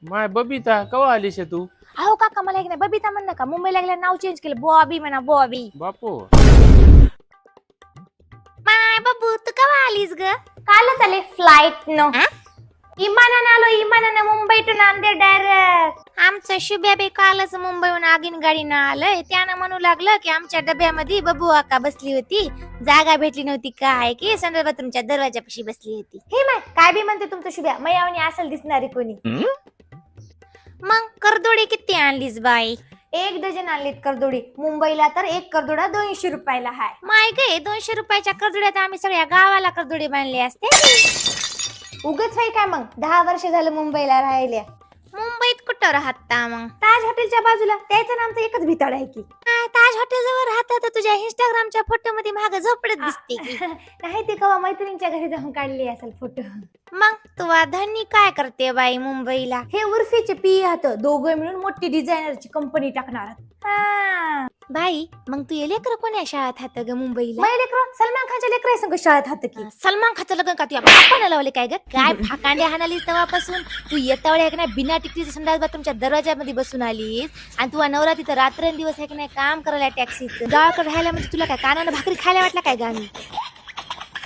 माय बबिता कवा आलीस तू? अहो काका मला एक नाही बबिता म्हण नका, मुंबईला गेल्या नाव चेंज केलं, बॉबी म्हणा बॉबी. बापू माय बाबू तू कवा आलीस ग? कालच आले फ्लाईट न. इमानानं आलो, इमानानं मुंबई टू नांदेड डायरेक्ट. आमचं शुभ्या बे कालच मुंबईहून आगीन गाडीनं आलंय. त्यानं म्हणू लागलं की आमच्या डब्यामध्ये बबू आका बसली होती, जागा भेटली नव्हती काय की संडास बाथरूमच्या दरवाजापाशी बसली होती. हे माय काय बी म्हणते तुमचं शुभ्या, मयावणी असेल दिसणारी कोणी. मग करदोडी किती आणलीस बाई? 1 डझन आणलीत करदोडी. मुंबईला तर एक करदोडा 200 रुपयाला हाय. माय गे 200 रुपयाच्या करदोड्यात आम्ही सगळ्या गावाला करदोडी बांधली असते. उगच हाय काय मग 10 वर्ष झालं मुंबईला राहिल्या. मुंबईत कुठं राहता मग? ताज हॉटेलच्या बाजूला. त्याचं नामचं एकच भिताड आहे की. ताज हॉटेल जवळ राहता तर तुझ्या इंस्टाग्रामच्या फोटो मध्ये मागे झोपडत दिसते. नाही ते कवा मैत्रिणीच्या घरी जाऊन काढली असेल फोटो. मग तुवा धनी काय करते बाई मुंबईला? हे उर्फीचे पी हात दोघं मिळून मोठी डिझायनरची कंपनी टाकणार. बाई मग तू ये लेकर कोण्या शाळेत हात ग मुंबईला? माझे लेकर सलमान खानच्या लेकर संग शाळेत हात की. सलमान खानचं लग्न का तुझ्या बापाने लावले काय ग? काय फाकांड्या हाणालीस तेव्हापासून? तू येता वेळी आहे ना बिना तिकीटच्या संडास बाथरूमच्या दरवाजामध्ये बसून आलीस आणि तुझा नवरा तिथं रात्रंदिवस आहे की नाही काम करायला टॅक्सीचं. गावाकडे राहायला म्हणजे तुला काय कानानं भाकरी खायला वाटला काय गाणी?